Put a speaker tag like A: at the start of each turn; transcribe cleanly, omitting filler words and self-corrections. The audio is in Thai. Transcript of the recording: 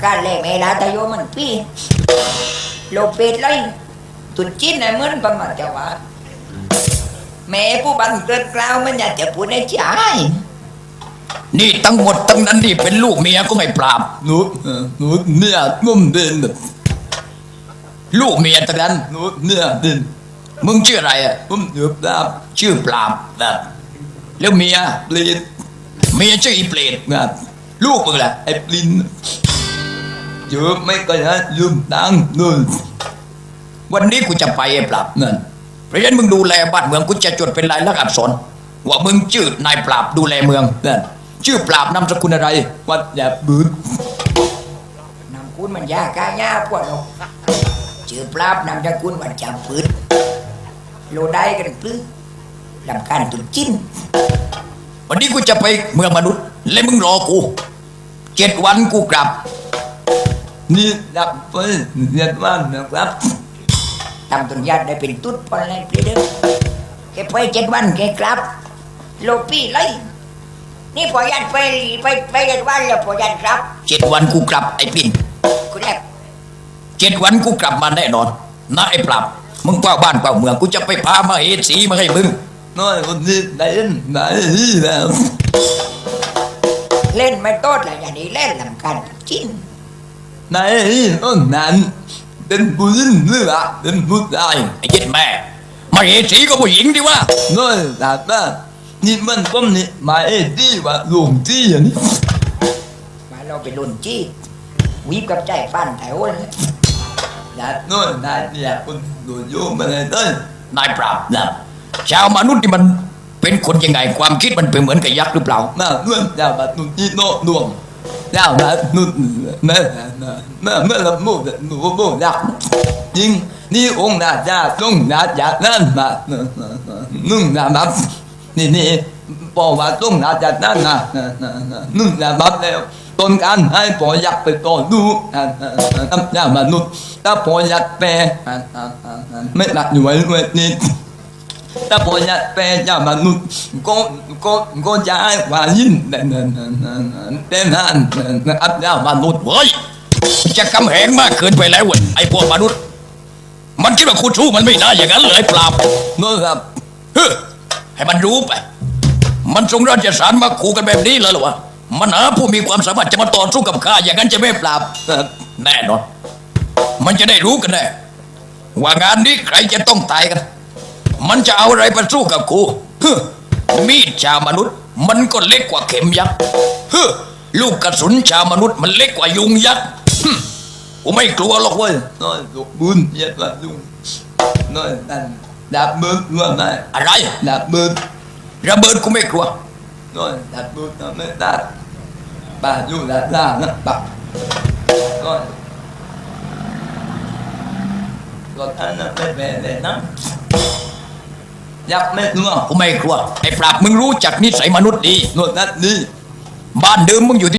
A: การแลแม่ลาตะโยมันพี่โลเป็ดเลยตุนจิ้นไอ้เหมือนประมาณจะว่าแม่ผู้บันเกิดกล่าวมันอยากจะพูดในใจ
B: นี่ทั้งหมดทั้งนั้นนี่เป็นลูกเมียก็ไม่ปราบหนูเนี่ยนุ่มเดินลูกเมียทั้งนั้นหนูเนี่ยเดินมึงชื่ออะไรอ่ะผมชื่อปราบชื่อปราบแบบแล้วเมียเปลดเมียชื่ออีเปลดแบบลูกมึงล่ะไอ้ปลินเยอะไม่ก็จะยืมตังค์นู่นวันนี้กูจะไปไอ้ปราบนั่นเพราะฉะนั้นมึงดูแลบ้านเมืองกูจะจดเป็นลายลักษณ์อักษรว่ามึงชื่อนายปราบดูแลเมืองนั่นชื่อปราบนามสกุลอะไรวัดอย่าบืน
A: นามคุณมันยากายาพวกเราชื่อปราบนามสกุลวันจำปืนโลได้กันปลื้มลำการตุนจิ้น
B: วันนี้กูจะไปเมืองมนุษย์และมึงรอกู7 วันกูกลับนี่ดับไป7 วันนะครับ
A: ทำตุนญาติได้เป็นตุ๊ดพอแล้วพี่เด้อแกไป7 วันแกกลับโลปี้เลยนี่พอยันไป7 วันแล้วพอยันครับ
B: 7 วันกูกลับไอ้ปิ่น
A: คุณแรก
B: 7 วันกูกลับมาแน่นอนนะไอ้ปราบมึงเฝ้าบ้านเฝ้าเมืองกูจะไปพามาเหตุสีมาให้มึงน้อยคนนี้ได้แล้ว
A: เล่นไม่โต้เลยอย่างนี้เล่นลำการจิ้น
B: ไหนต้นนั้นเป็นผู้หญิงหรือเปล่าเป็นผู้ชายไอ้เจ็ดแม่มาเหตุสีก็ผู้หญิงดิว่าน้อยแต่ว่านี่มันก็นี่มาเอ็ดดี้ว่าหลวงจี้อย่างนี้
A: มาเราไปลุนจี้วิบกับใจฟันแถวเลย
B: นะน้อยนายเนี่ยคุณดูโยมอะไรเต้ยนายปราบนะชาวมนุษย์ที่มันเป็นคนยังไงความคิดมันเป็นเหมือนกับยักษ์หรือเปล่าน่าเมื่อชาวมนุษย์ที่โน้ดวงชาวมนุษย์เมื่อละมุดหนูโบยักษ์ยิงนี่องค์นาจาต้องนาจานั่นมานุ่งนาบับนี่บอกว่าต้องนาจานั่นนะนุ่งนาบับแล้วต้นการให้ปอยักษ์ไปต่อดูชาวมนุษย์ถ้าปอยักษ์แปรไม่หนักอยู่ไว้นี่ถ้าพอจะเป็นเจ้ามนุษย์ก็จะให้ว่ายินเป็นนั่นอับเจ้ามนุษย์เว้ยจะกำแหงมากเกินไปแล้วเว้ยไอ้พวกมนุษย์มันคิดว่าคุณสู้มันไม่ได้อย่างนั้นเลยเปล่าเมื่อครับให้มันรู้ไปมันทรงราชสารมาขู่กันแบบนี้เลยหรอวะมันหาผู้มีความสามารถจะมาต่อสู้กับข้าอย่างนั้นจะไม่ปราบแน่นอนมันจะได้รู้กันแน่ว่างานนี้ใครจะต้องตายกันมันจะเอาอะไรไปสู้กับกูมีดชาวมนุษย์มันก็เล็กกว่าเข็มยักษ์ลูกกระสุนชาวมนุษย์มันเล็กกว่ายุงยักษ์กูไม่กลัวหรอกเว้ยน้อยลูกบุญเย็ดว่ายุงน้อยนั่นดาบมือว่าไงอะไรดาบมือระเบิดกูไม่กลัวน้อยดาบมือทำไม่ได้ป่าอยู่ดาบล่านะป่าน้อยก็ท่านไม่เป็นเลยนะยักษ์ไม่กลัวกูไม่กลัวไอ้ปราบมึงรู้จักนิสัยมนุษย์ดีโน่นนั่นนี่บ้านเดิมมึงอยู่ที่